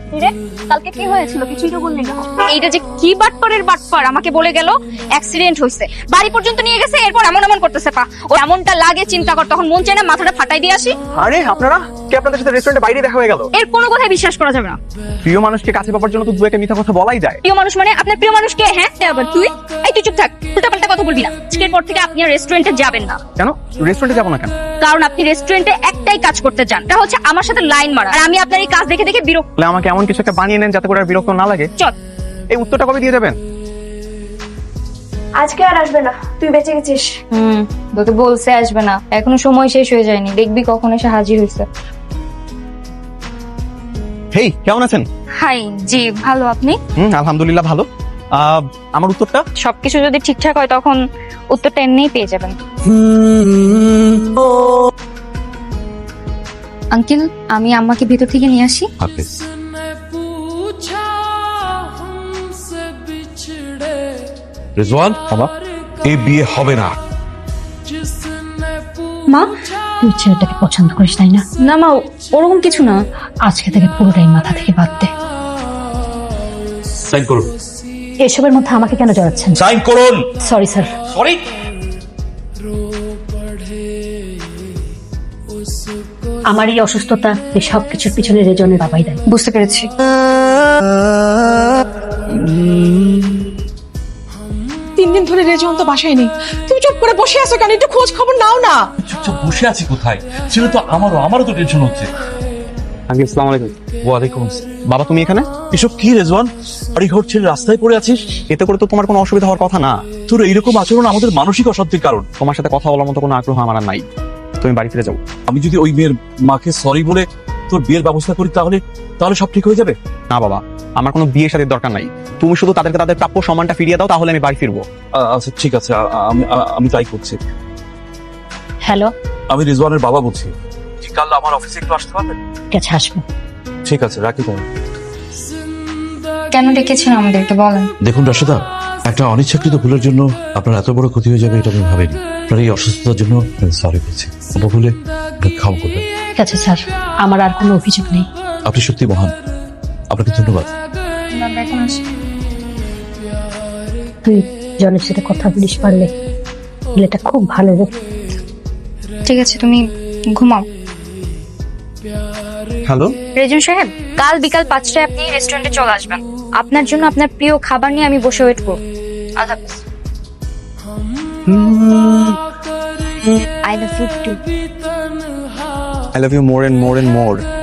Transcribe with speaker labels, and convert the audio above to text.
Speaker 1: রে কালকে কি হয়েছিল কিছুই তো বললি না। এইটা যে কি বাটপারের বাটপার আমাকে বলে গেল অ্যাক্সিডেন্ট হয়েছে, বাড়ি পর্যন্ত নিয়ে গেছে, এরপর এমন এমন করতেছে পা ও এমনটা লাগে চিন্তা কর, তখন মন চায় না মাথাটা ফাটাই দিয়ে আসি।
Speaker 2: আরে আপনারা কি আপনাদের সাথে রেস্টুরেন্টে বাইরে দেখা হয়ে গেল?
Speaker 1: এর কোনো কথাই বিশ্বাস করা যাবে না।
Speaker 2: প্রিয় মানুষকে কাছে পাওয়ার জন্য তো দু একটা মিথ্যা কথা বলাই যায়।
Speaker 1: প্রিয় মানুষ মানে আপনার প্রিয় মানুষ কে? হ্যাঁ আবার তুই, এই তুই চুপ থাক, উল্টাপাল্টা কথা বলবি না। আজকের পর থেকে আপনি আর রেস্টুরেন্টে যাবেন না।
Speaker 2: কেন রেস্টুরেন্টে যাবো না কেন?
Speaker 1: কারণ আপনি রেস্টুরেন্টে একটাই কাজ করতে চান, এটা হচ্ছে আমার সাথে লাইন মারা, আর আমি আপনার এই কাজ দেখে দেখে বিরক্ত।
Speaker 2: তাহলে আমাকে এমন কিছু একটা বানিয়ে নেন যাতে করে আর বিরক্ত না লাগে।
Speaker 1: চল।
Speaker 2: এই উত্তরটা কবে দিয়ে দেবেন?
Speaker 3: আজকে আর আসবে না, তুই বেঁচে গেছিস।
Speaker 1: তোকে বলছে আসবে না, এখনো সময় শেষ হয়ে যায়নি, দেখবি কখন এসে হাজির হয়েছে।
Speaker 2: হেই কেমন আছেন?
Speaker 1: হাই জি ভালো, আপনি?
Speaker 2: আলহামদুলিল্লাহ ভালো। আমার উত্তরটা?
Speaker 1: সবকিছু যদি ঠিকঠাক হয় তখন উত্তরটা এমনিই পেয়ে যাবেন। আঙ্কেল আমি আম্মাকে ভিতর থেকে নিয়ে আসি।
Speaker 4: হাফেজ। রেজওয়ান বাবা, এই বিয়ে হবে না।
Speaker 5: মা তুই ছেলেটাকে পছন্দ করিস তাই না?
Speaker 1: না মা ওরকম কিছু না।
Speaker 5: আজকে থেকে পুরোটাই মাথা থেকে বাদ দে।
Speaker 4: সাইন করুন।
Speaker 5: এসবের মধ্যে আমাকে কেন জড়াচ্ছেন?
Speaker 4: সাইন করুন।
Speaker 5: Sorry sir.
Speaker 4: সরি।
Speaker 5: আমার এই অসুস্থতা এই সবকিছুর পিছনে রেজনের বাবাই দেয়।
Speaker 1: বুঝতে পেরেছি।
Speaker 6: 3 দিন ধরে রেজন তো বাসায় নেই, তুমি চুপ করে বসে আছো কেন? একটু খোঁজ খবর নাও না।
Speaker 4: চুপচাপ বসে আছি কোথায়? সেটা তো আমারও তো টেনশন হচ্ছে।
Speaker 2: আঙ্কেল আসসালামু আলাইকুম।
Speaker 4: ওয়ালাইকুম আসসালাম।
Speaker 2: বাবা তুমি এখানে?
Speaker 4: এসব কি রেজওয়ান? বাড়ি ঘর ছেড়ে রাস্তায় পড়ে আছিস?
Speaker 2: এতে করে তো তোমার কোনো অসুবিধা হওয়ার কথা না।
Speaker 4: তোর এইরকম আচরণ আমাদের মানসিক অশান্তির কারণ।
Speaker 2: তোমার সাথে কথা বলার মতো কোনো আগ্রহ আমার আর নাই। তুমি বাড়ি ফিরে যাও।
Speaker 4: আমি যদি ওই মেয়ের মাকে সরি বলে তোর বিয়ের ব্যবস্থা করি তাহলে সব ঠিক হয়ে যাবে?
Speaker 2: না বাবা, আমার কোনো বিয়ে শাদীর দরকার নাই। তুমি শুধু তাদেরকে তাদের প্রাপ্য সম্মানটা ফিরিয়ে দাও, তাহলে আমি বাড়ি ফিরবো।
Speaker 4: আচ্ছা ঠিক আছে, আমি তাই করছি।
Speaker 5: হ্যালো,
Speaker 4: আমি রিজওয়ানের বাবা বলছি। কাল আমার অফিসে একটু আসতে পারবেন?
Speaker 5: ঠিক আছে আসবো।
Speaker 4: ঠিক আছে, রাখি তাহলে।
Speaker 1: কেন ডেকেছেন আমাদেরকে বলেন?
Speaker 4: দেখুন রাশেদা, একটা অনিচ্ছাকৃত ভুলের জন্য আপনার এত বড় ক্ষতি হয়ে যাবে এটা আমি ভাবিনি। আপনার এই অসুস্থতার জন্য সরি বলছি। ভুলে ক্ষমা করবেন।
Speaker 5: ঠিক আছে স্যার, আমার আর কোনো অভিযোগ নেই।
Speaker 4: আপনি সত্যি মহান, আপনাকে ধন্যবাদ।
Speaker 1: এখন আসি।
Speaker 5: তুই জনের সাথে কথা বলিস পারলে ছেলেটা খুব ভালো রে।
Speaker 1: ঠিক আছে তুমি ঘুমাও।
Speaker 2: হ্যালো
Speaker 1: রেজন সাহেব, কাল বিকাল 5টায় আপনি রেস্টুরেন্টে চলে আসবেন। আপনার জন্য আপনার প্রিয় খাবার নিয়ে আমি বসে ওয়েট করব। আল্লাহ হাফেজ। I love you too.
Speaker 2: I love you more and more and more.